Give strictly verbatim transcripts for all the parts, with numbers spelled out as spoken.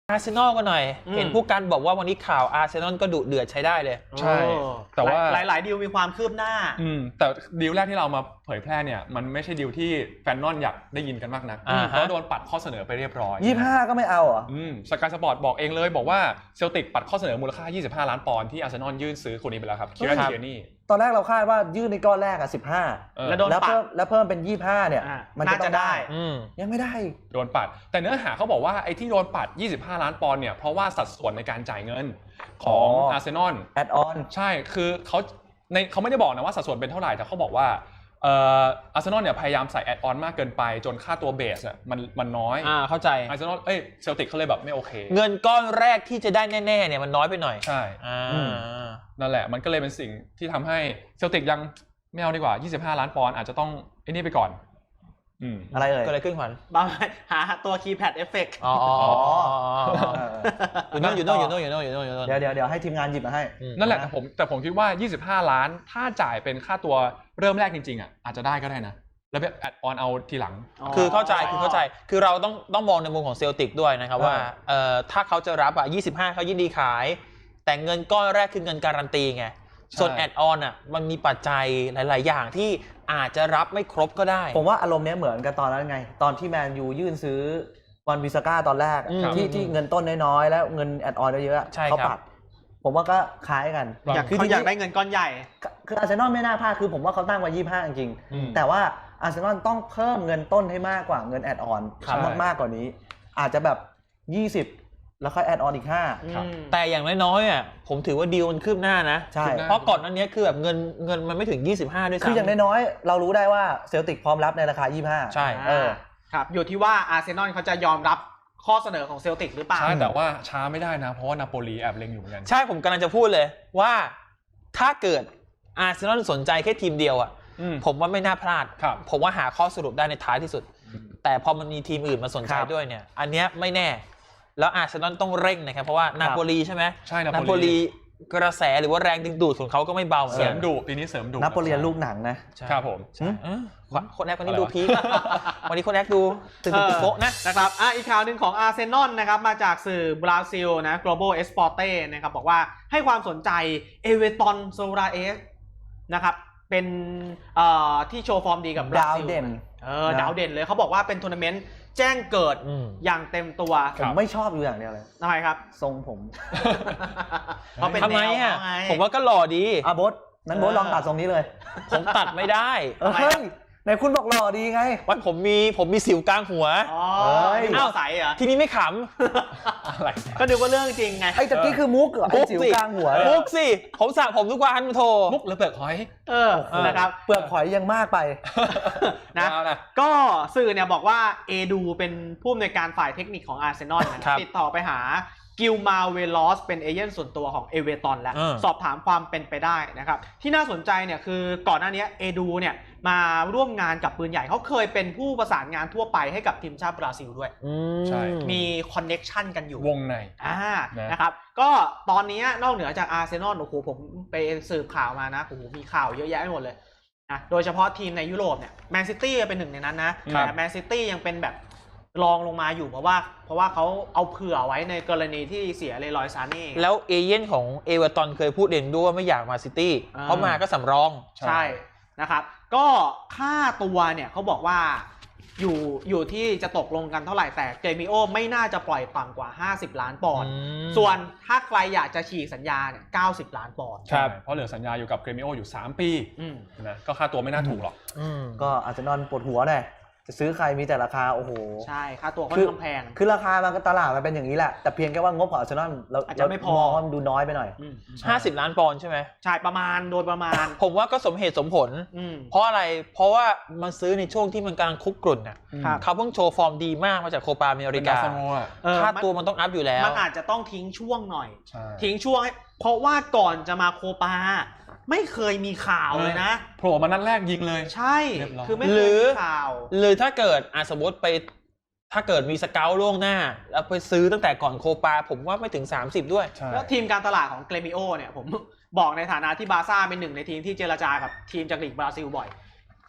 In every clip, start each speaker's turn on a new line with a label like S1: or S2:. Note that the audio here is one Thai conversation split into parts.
S1: อาร์เซนอลก็หน่อยเห็นผู้กันบอกว่าวันนี้ข่าวอาร์เซนอลก็ดุเดือดใช้ได้เลย
S2: ใช่แต่ว่า
S3: หลายๆดีลมีความคืบหน้า
S2: อืมแต่ดีลแรกที่เรามาเผยแพร่เนี่ยมันไม่ใช่ดีลที่แฟนนอนอยากได้ยินกันมากนักเพราะโดนปัดข้อเสนอไปเรียบร้อย
S4: ยี่สิบห้าก็ไม่เอาอ่ะ
S2: อืมสกายสปอร์ตบอกเองเลยบอกว่าเซลติกปัดข้อเสนอมูลค่ายี่สิบห้าล้านปอนด์ที่อาร์เซนอลยื่นซื้อคนนี้ไปแล้วครับคิรัน เทียนี่
S4: ตอนแรกเราคาดว่ายื่นในก้อนแรกอ่ะสิบห้า
S3: แล้วโดนปัด
S4: แล้วเพิ่มเป็นยี่สิบห้าเนี่ยมันจะต้องได้ยังไม่ได้
S2: โดนปัดแต่เนื้อหาเขาบอกว่าไอ้ที่โดนปัดยี่สิบห้าล้านปอนด์เนี่ยเพราะว่าสัดส่วนในการจ่ายเงินของอาร์เซนอล
S4: แอดออน
S2: ใช่คือเขาในเขาไม่ได้บอกนะว่าสัดส่วนเป็นเท่าไหร่แต่เขาบอกว่าเอ่ออาร์เซนอลเนี่ยพยายามใส่แอดออนมากเกินไปจนค่าตัวเบสอ่ะมันมันน้อย
S1: อ่าเข้าใจ
S2: อาร์เซนอลเอ้ยเซลติกเขาเลยแบบไม่โอเค
S1: เงินก้อนแรกที่จะได้แน่ๆเนี่ยมันน้อยไปหน่อย
S2: ใช่
S1: อ่า
S2: นั่นแหละมันก็เลยเป็นสิ่งที่ทำให้เซลติกยังไม่เอาดีกว่ายี่สิบห้าล้านปอนด์อาจจะต้องไอ้นี่ไปก่อน
S4: อืมอะไรเอ่ย
S1: ก็เลยขึ้นขวัญ
S3: บางหาตัวคีย์แพดเอฟเฟกต์
S1: อ๋ออยู่นู่นอยู่นู่นอยู่นู่นอยู่นู่นอยู่นู่นอยู่นู่น
S4: เดี๋ยวเดี๋ยวเดี๋ยวให้ทีมงานหยิบมาให้
S2: นั่นแหละแต่ผมแต่ผมคิดว่ายี่สิบห้าล้านถ้าจ่ายเป็นค่าตัวเริ่มแรกจริงๆอ่ะอาจจะได้ก็ได้นะแล้วแบบแอดออนเอาทีหลัง
S1: คือเข้าใจคือเข้าใจคือเราต้องต้องมองในมุมของเซลติกด้วยนะครับว่าเอ่อถ้าเขาจะรับอ่ะยี่สิบห้าเขายินดีขายแต่เงินก้อนแรกคือเงินการันตีไงส่วนแอดออนอ่ะมันมีปัจจัยหลายๆอย่างที่อาจจะรับไม่ครบก็ได้
S4: ผมว่าอารมณ์นี้เหมือนกันตอนนั้นไงตอนที่แมนยูยื่นซื้อวันวิสก้าตอนแรกที่ที่เงินต้นน้อยๆแล้วเงินแอดออนเยอะๆเขาปัดผมว่าก็คล้ายกัน
S3: อยากเขาอยากได้เงินก้อนใหญ่
S4: คืออาร์เซนอลไม่น่าพลาดคือผมว่าเขาตั้งไว้ยี่สิบห้าจริงๆแต่ว่าอาร์เซนอลต้องเพิ่มเงินต้นให้มากกว่าเงินแอดออนมากๆกว่านี้อาจจะแบบยี่สิบแล้วค่อยแอดออนอีกห้า
S1: แต่อย่างน้อยๆอ่ะผมถือว่าดีลมันคืบหน้านะ
S4: ใช่
S1: เพราะก่อนนั้นนี้คือแบบเงินเงินมันไม่ถึงยี่สิบห้าด้วยซ้ำ
S4: คืออย่างน้อยๆเรารู้ได้ว่าเซลติกพร้อมรับในราคายี่สิบห้า
S1: ใช่
S4: เออ
S3: ครับอยู่ที่ว่าอาร์เซนอลเขาจะยอมรับข้อเสนอของเซลติกหรือเปล่า
S2: ใช่แต่ว่าช้าไม่ได้นะเพราะว่านาโปลีแอบเล็งอยู่เหมือนกัน
S1: ใช่ผมกำลังจะพูดเลยว่าถ้าเกิดอาร์เซนอลสนใจแค่ทีมเดียวอ่ะผมว่าไม่น่าพลาดผมว่าหาข้อสรุปได้ในท้ายที่สุดแต่พอมันมีทีมอื่นมาสนใจด้วยเนี่ยอันเนี้ยไม่แน่แล้วอาร์เซนอลต้องเร่งนะครับเพราะว่านาโปลีใช่ไหม
S2: ใช่
S1: นาโปลีกระแสหรือว่าแรงดึงดูดของเขาก็ไม่เบา
S2: เสริมดุปีนี้เสริมดุ
S4: นาโปลีลูกหนังนะครับ
S2: ผม
S1: คนแรกคนนี้ดูพีควันนี้คนแรกดูตึงตึงโป๊ะนะ
S3: นะครับอ่ะอีกข่าวหนึ่งของอาร์เซนอลนะครับมาจากสื่อบราซิลนะ Global Esporte นะครับบอกว่าให้ความสนใจเอเวอร์ตันโซราเอสนะครับเป็นเอ่อที่โชว์ฟอร์มดีกับบราซิล
S4: ดาวเด่น
S3: เออดาวเด่นเลยเขาบอกว่าเป็นทัวร์นาเมนต์แจ้งเกิดอย่างเต็มตัว
S4: ผมไม่ชอบอยู่อย่างเดียวเลย
S3: ทำไมครับ
S4: ทรงผม
S3: เขาเป็นแนว
S1: อ่ะผมว่าก็หล่อดี
S4: อ่ะโบ๊ทนั้นโบ๊ทลองตัดทรงนี้เลย
S1: ผมตัดไม่ได้
S4: เฮ้ยไหนคุณบอกหล่อดีไง
S1: ว่าผมมีผมมีสิวกลางหัว
S3: อ๋ออ้าวใสเหรอ
S1: ทีนี้ไม่ข
S3: ำอะไรก็ดูว่าเรื่องจริงไง
S4: ไอ้ตะกี้คือมุกเหรอสิวกลางหัว
S1: มุกสิผมสระผมทุกวันโท
S2: มุกหรือเปลือกหอย
S3: เออนะครับ
S4: เปลือกหอยยังมากไป
S3: นะก็สื่อเนี่ยบอกว่าเอดูเป็นผู้อำนวยการฝ่ายเทคนิคของอาร์เซนอลติดต่อไปหากิลมาเวลอสเป็นเอเจนต์ส่วนตัวของเอเวอร์ตันแล้วสอบถามความเป็นไปได้นะครับที่น่าสนใจเนี่ยคือก่อนหน้านี้เอดูเนี่ยมาร่วมงานกับปืนใหญ่เขาเคยเป็นผู้ประสานงานทั่วไปให้กับทีมชาติบราซิลด้วย
S2: ใช่
S3: มีคอนเน็กชันกันอยู่
S2: วงใน
S3: อ่านะครับก็ตอนนี้นอกเหนือจากอาร์เซนอลโอ้โหผมไปสืบข่าวมานะโอ้โหมีข่าวเยอะแยะไปหมดเลยนะโดยเฉพาะทีมในยุโรปเนี่ยแมนซิตี้เป็นหนึ่งในนั้นนะแต่แมนซิตี้ยังเป็นแบบรองลงมาอยู่เพราะว่าเพราะว่าเขาเอาเผื่อไว้ในกรณีที่เสียเลรอยซาเน่
S1: แล้วเอเย่นของเอเวอร์ตันเคยพูดเองด้วยว่าไม่อยากมาซิตี้เพราะมาก็สำรอง
S3: ใช่นะครับก็ค่าตัวเนี่ยเขาบอกว่าอยู่อยู่ที่จะตกลงกันเท่าไหร่แต่เจมิโอไม่น่าจะปล่อยต่ำกว่าห้าสิบล้านปอนด์ส่วนถ้าใครอยากจะฉีกสัญญาเนี่ยเก้าสิบล้านปอนด์
S2: ใช่เพราะเหลือสัญญาอยู่กับเจมิโออยู่สามปีนะก็ค่าตัวไม่น่าถูกหรอก
S4: ก็อาจจะนอนปวดหัวหน่อยจะซื้อใครมีแต่ราคาโอ้โห
S3: ใช่ค่าตัวค่อนข้างแพง
S4: คือราคามันก็ตลาดมันเป็นอย่างนี้แหละแต่เพียงแค่ว่างบของอาร์เซนอลเรา
S3: อาจจะไม่พอ
S4: มันดูน้อยไปหน่อย
S1: ห้าสิบล้านปอนด์ใช่ไหม
S3: ใช่ประมาณโดยประมาณ
S1: ผมว่าก็สมเหตุสมผลเพราะอะไรเพราะว่ามันซื้อในช่วงที่มันกำลังคุกกรุ่นน่ะเขาเพิ่งโชว์ฟอร์มดีมากมาจากโคปาอเมริกาค่าตัวมันต้องอัพอยู่แล้ว
S3: มันอาจจะต้องทิ้งช่วงหน่อยทิ้งช่วงเพราะว่าก่อนจะมาโคปาไม่เคยมีข่าวเลยนะ
S2: โผล่มานัดแรกยิงเลย
S3: ใช่คือไม่เคยมีข่าว
S1: หรือถ้าเกิดอ่ะสมมติไปถ้าเกิดมีสเกลล่วงหน้าแล้วไปซื้อตั้งแต่ก่อนโคปาผมว่าไม่ถึงสามสิบด้วย
S3: แล้วทีมการตลาดของเกรมิโอเนี่ยผมบอกในฐานะที่บาร์ซ่าเป็นหนึ่งในทีมที่เจรจากับทีมจากลีกบราซิลบ่อย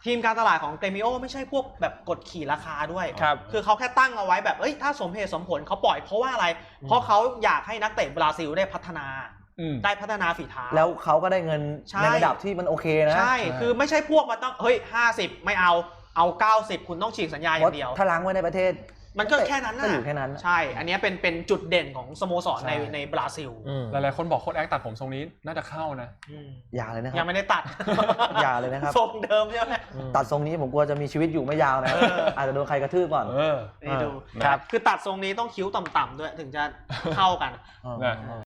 S3: ทีมการตลาดของเกรมิโอไม่ใช่พวกแบบกดขี่ราคาด้วย
S1: ครับ
S3: คือเขาแค่ตั้งเอาไว้แบบเอ้ยถ้าสมเหตุสมผลเขาปล่อยเพราะว่าอะไร เพราะเขาอยากให้นักเตะบราซิลได้พัฒนา ได้พัฒนาฝีเท้า
S4: แล้วเขาก็ได้เงิน
S3: ใช่
S4: ในระดับที่มันโอเคนะ
S3: ใช่คือไม่ใช่พวกมาต้องเฮ้ยห้าสิบไม่เอาเอาเก้าสิบคุณต้องฉีกสัญญาอย่างเดียว
S4: ถ้าล้างไว้ในประเทศ
S3: มันก็แค่นั้น
S4: ก็
S3: นะ
S4: อยู่แค่นั้น
S3: ใช่อันนี้เป็นเป็นจุดเด่นของสโมสรในในบราซิล
S2: หลายๆคนบอกโค้ชแอคตัดผมทรงนี้น่าจะเข้านะ
S4: อย่าเลยนะครับ
S3: ยังไม่ได้ตัด
S4: อย่าเลยนะครับ
S3: ทรงเดิมใช่ไหม
S4: ตัดทรงนี้ผมกลัวจะมีชีวิตอยู่ไม่ยาวนะอาจจะโดนใครกระทืบก่อน
S3: นี่ดูครับคือตัดทรงนี้ต้องคิ้วต่ำๆด้วยถึงจะเข้ากัน
S2: นะ